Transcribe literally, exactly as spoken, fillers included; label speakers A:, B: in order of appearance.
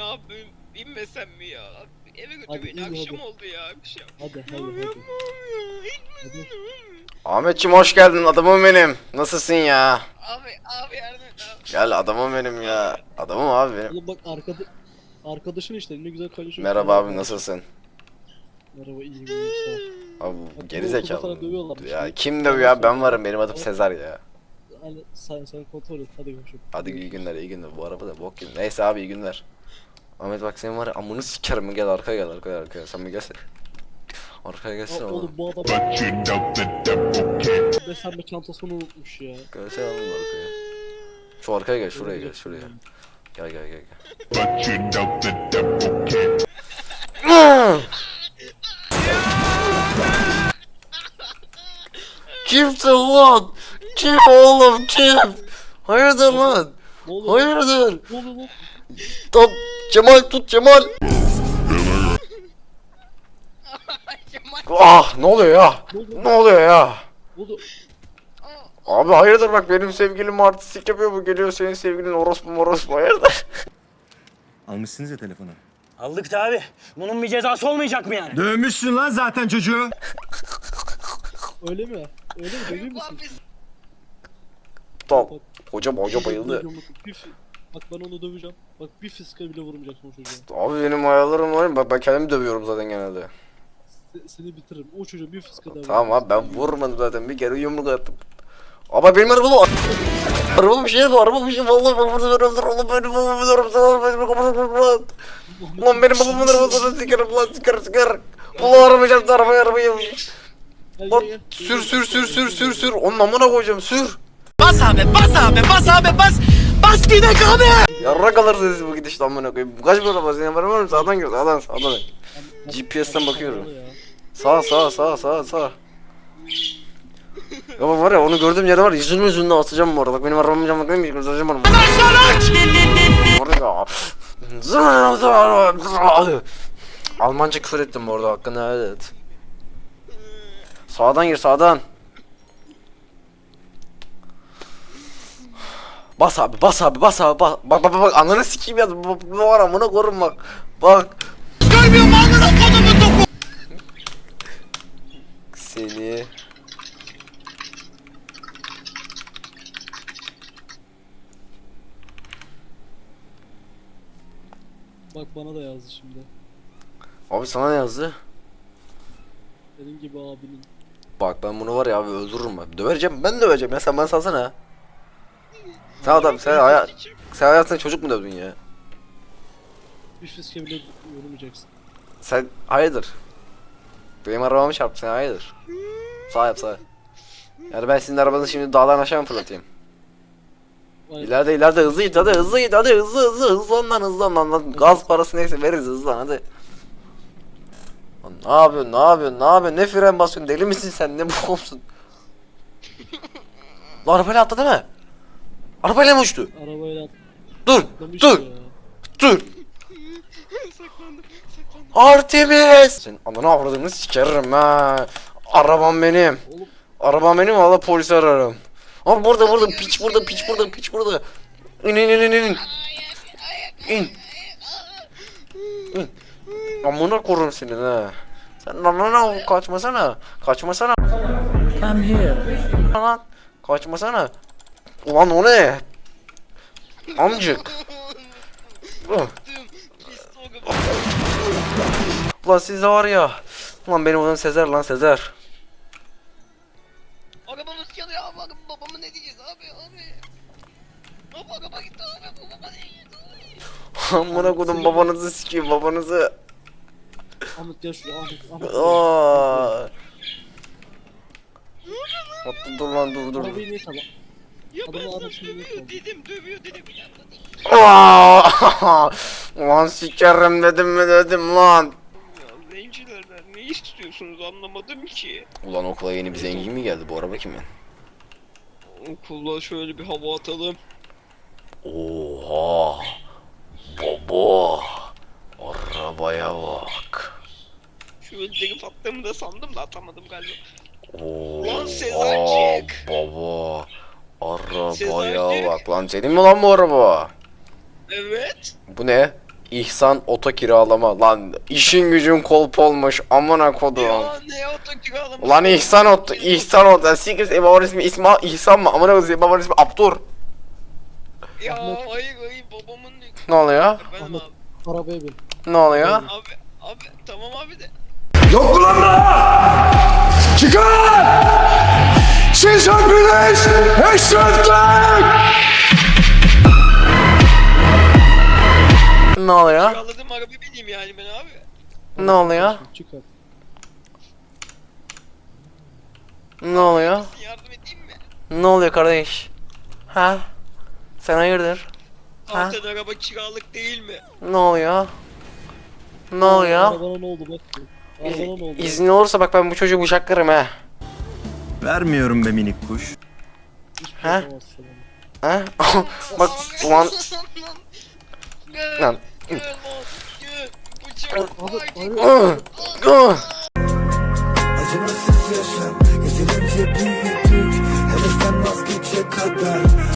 A: yapayım? İnmesem mi ya? Eve götür
B: Hadi
A: beni.
B: in,
A: Akşam
B: hadi.
A: oldu ya. Akşam.
B: Hadi hadi
A: Yapamam
B: hadi.
A: ya.
B: Hadi.
A: İnmesem.
C: Ahmetciğim hoş geldin, adamım benim. Nasılsın ya?
A: Abi abi yardım et abi.
C: Gel, adamım benim ya. Adamım abi benim.
B: Oğlum bak arkada arkadaşın işte ne güzel konuşuyor.
C: Merhaba abi, nasılsın?
B: Merhaba iyiyim iyiyim sağ ol.
C: Abi
B: Bak,
C: geri
B: bu okulda
C: zekalı.
B: sana dövüyorlarmış.
C: Ya
B: Bir-
C: kim
B: bir
C: dövüyor
B: yalan
C: abi? Ben
B: söyle.
C: varım, benim adım Sezar ya.
B: Hani sen sen kontrol et hadi görüşürüz.
C: Hadi iyi günler, iyi günler. Bu araba da bok gibi. Neyse abi, iyi günler. Ahmet bak, senin var ya, amını sikerim. Gel arkaya, gel arkaya, arkaya. Sen bir gelsene. Arkaya
B: Aa,
C: gelsene
B: oğlum
C: oğlum.
B: bu adam
D: But you know the devil can't.
B: beslenme çantasını unutmuş ya.
C: Gelsene oğlum arkaya. Şu arkaya gel, şuraya gel, şuraya. Gel gel gel gel.
D: But you know the devil can't.
C: Kimsin lan? Kim oğlum, kim? Hayırdır lan?
B: Ne oluyor?
C: Hayırdır?
B: Ne oluyor lan?
C: Tam Cemal, tut Cemal.
A: Kemal.
C: Ah, ne oluyor ya?
B: Ne oluyor?
C: Ne oluyor ya?
B: Ne oluyor?
C: Abi hayırdır, bak benim sevgilim artistlik yapıyor, bu geliyor senin sevgilin orospu morospu, hayırdır?
E: Almışsınız ya telefonu.
F: Aldık da abi. Bunun bir cezası olmayacak mı yani?
E: Dövmüşsün lan zaten çocuğu.
B: Öyle mi? Öyle mi? Dövüyor
A: Bu
B: musun?
A: abi.
C: Tamam. Hocam hoca bayıldı.
B: Bir fi- Bak ben onu döveceğim. Bak bir fiske bile vurmayacaksın o çocuğa.
C: Abi benim ayarlarım var ya, bak ben kendimi dövüyorum zaten genelde.
B: Se- seni bitiririm. O çocuğa bir fiske daha
C: Tamam abi, ben vurmadım zaten, bir kere yumruk attım. Ama benim arabam araba bir şey bu, araba bir şey, vallahi babamın arabası, oğlum benim babamın arabası, oğlum benim babamın arabası. Lan benim babamın arabasını sikerim lan, sikerim sikerim. Ulan arabayacağım da arabaya arabayı.
B: Gel,
C: Lan
B: gel, gel.
C: sür sür sür sür sür sür, onun amına koyacağım, sür.
F: Bas abi, bas abi, bas abi, bas. Bas gidek abi.
C: Yarra kalırsınız bu gidişle amına koyayım. Bu kaç bir araba, senin haberin var mı? Sağdan gir, sağdan sağdan. G P S'ten bakıyorum.
B: Ya.
C: Sağ sağ sağ sağ sağ. Ya var ya, onu gördüğüm yerde var ya, yüzünü yüzünü atacağım bu arada. Bak benim arabamın camına koyayım, göstereceğim onu. Orada ya. Almanca küfür ettim bu arada, hakkında, evet. Sağdan gir, sağdan. Bas abi, bas abi, bas abi, bas. Bak bak bak, ananı sikeyim ya. Bu var, amına korum bak. Bak.
F: Görmüyorum amına kodumu topu.
C: Seni.
B: Bak bana da yazdı şimdi.
C: Abi sana ne yazdı?
B: Senin gibi abinin.
C: Bak ben bunu var ya abi, öldürürüm ben. Döveceğim, ben döveceğim ya, sen bana salsana. Sen adam, sen hayat, sen hayatında çocuk mu dövdün ya?
B: Bir fiske bile vurmayacaksın.
C: Sen hayırdır? Benim arabamı çarptı, sen hayırdır? Sağ yap, sağ. Yani ben sizin arabanızı şimdi dağdan aşağı mı fırlatayım?
B: Vay,
C: İleride ileride hızlı git, hadi hızlı git, hadi hızlı hızlı hızlan lan, hızlan lan, lan. Gaz parası neyse veririz, hızlan hadi. Lan ne yapıyorsun, ne yapıyorsun, ne yapıyorsun, ne fren basıyorsun, deli misin sen, ne bu olsun? Lan arabayla atladı mı? Arabayla mı uçtu?
B: arabayla
C: Dur,
B: atlamış
C: dur,
B: ya.
C: dur.
A: Saklandım. Saklandım.
C: Artemis! Senin ananı avradını sikerim ha. Arabam benim.
B: Oğlum
C: Arabam benim, valla polisi ararım. Abi burada burada piç burada piç burada piç burada. İn in in in in. İn. İn. Amına korum senin ha. Sen lan lan lan, kaçmasana. Kaçmasana.
F: Come here.
C: Lan kaçmasana. Ulan o ne? Amcık. Uh.
A: Pis soğuk.
C: Ulan siz de var ya. Ulan benim adım Sezer lan, Sezer.
A: Arabamız yanıyor abi. Araba- Babama ne diyeceğiz abi abi. Abi araba gitti abi. Babama ne diyeceğiz abi.
C: Amına kodum, babanızı sikeyim, babanızı.
B: Ahmet gel şuraya Ahmet. Ahmet.
C: Aa. Hatta dur lan, dur dur.
B: Arabayı niye tamam?
A: Ya
B: Adamı
A: ben sana
B: arasını
A: dövüyor
B: yapalım.
A: dedim. Dövüyor dedim. Yandı değil.
C: Aa! Ulan sikerim dedim mi dedim lan.
A: Ya zencilerden ne istiyorsunuz anlamadım ki.
C: Ulan okula yeni bir zengin mi geldi, bu araba kimin?
A: Okula şöyle bir hava atalım.
C: Oha! Baba! Arabaya bak.
A: Şu öldürüp attığımı da sandım da atamadım galiba.
C: Oha!
A: Lan Sezarcık!
C: Baba! Arabaya
A: Sezarcık!
C: bak lan, senin mi lan bu araba?
A: Evet.
C: Bu ne? İhsan oto kiralama lan işin gücün kolp olmuş amına kodum.
A: Ya ne oto kiralamış?
C: Lan İhsan oto İhsan oto siktir babanın ismi İsma İhsan mı amına kodum babanın ismi Abdur.
A: Ya hayır hayır babamın ne?
C: Ne oluyor?
A: Efendim
B: Ahmet.
A: abi.
B: Arabaya bin.
C: Ne oluyor?
A: Abi abi tamam abi de.
E: Yok mu lan burada? Çıkar! Siz hepiniz eşrefler!
C: Ne oluyor?
A: Kiraladım araba bineyim yani ben abi.
C: Ne oluyor?
B: Çık hadi.
C: Ne oluyor?
A: Yardım edeyim mi?
C: Ne oluyor kardeş? Ha? Sen hayırdır? Ha?
A: Zaten araba kiralık değil mi?
C: Ne oluyor? Ne oluyor?
B: Arabana ne oldu bak. Arabana ne oldu?
C: İz, izin olursa bak ben bu çocuğu bıçaklarım ha.
E: Vermiyorum be minik kuş.
B: Hiçbir
C: Ha?
B: şey yapamazsın ama.
C: Ha? Bak ulan
A: Gel.
C: lan.
A: Gel lan. Gel. Bıçak.
B: Abi,
A: Ay,
B: abi.
C: Ih, ih.
G: Acımasız yaşam, yeterince büyüdük, hedeften vazgeçe kadar.